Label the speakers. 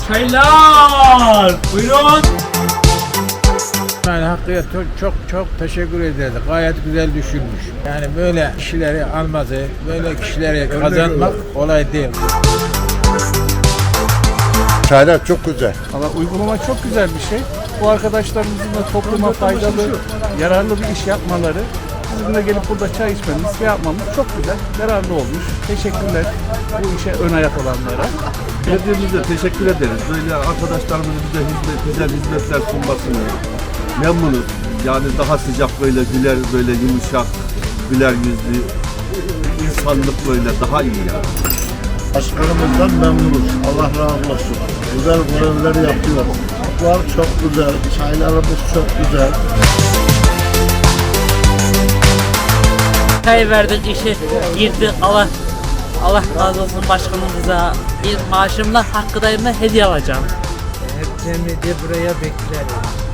Speaker 1: Çaylar. Buyurun.
Speaker 2: Yani Hakkı'ya çok teşekkür ederiz. Gayet güzel düşünmüş. Yani böyle kişileri alması, böyle kişileri kazanmak kolay değil.
Speaker 3: Çaylar çok güzel.
Speaker 4: Ama uygulama çok güzel bir şey. Bu arkadaşlarımızın da topluma faydalı, yararlı bir iş yapmaları, bizim de gelip burada çay içmemiz, şey yapmamız çok güzel, yararlı olmuş. Teşekkürler bu işe ön ayak olanlara.
Speaker 5: Belediyemize teşekkür ederiz. Böyle arkadaşlarımızın bize güzel hizmetler sunmasını memnunuz. Yani daha sıcak böyle güler, böyle yumuşak, güler yüzlü, insanlık böyle daha iyi yani.
Speaker 3: Başkanımızdan memnunuz. Allah razı olsun. Güzel görevler yapıyor. Çocuklar çok güzel. Çaylarımız çok güzel.
Speaker 6: Çay verdik, işe girdik. Allah razı olsun başkanımıza. Bir maaşımla Hakkı'dayım hediye alacağım.
Speaker 2: Hepsini de buraya bekleriz.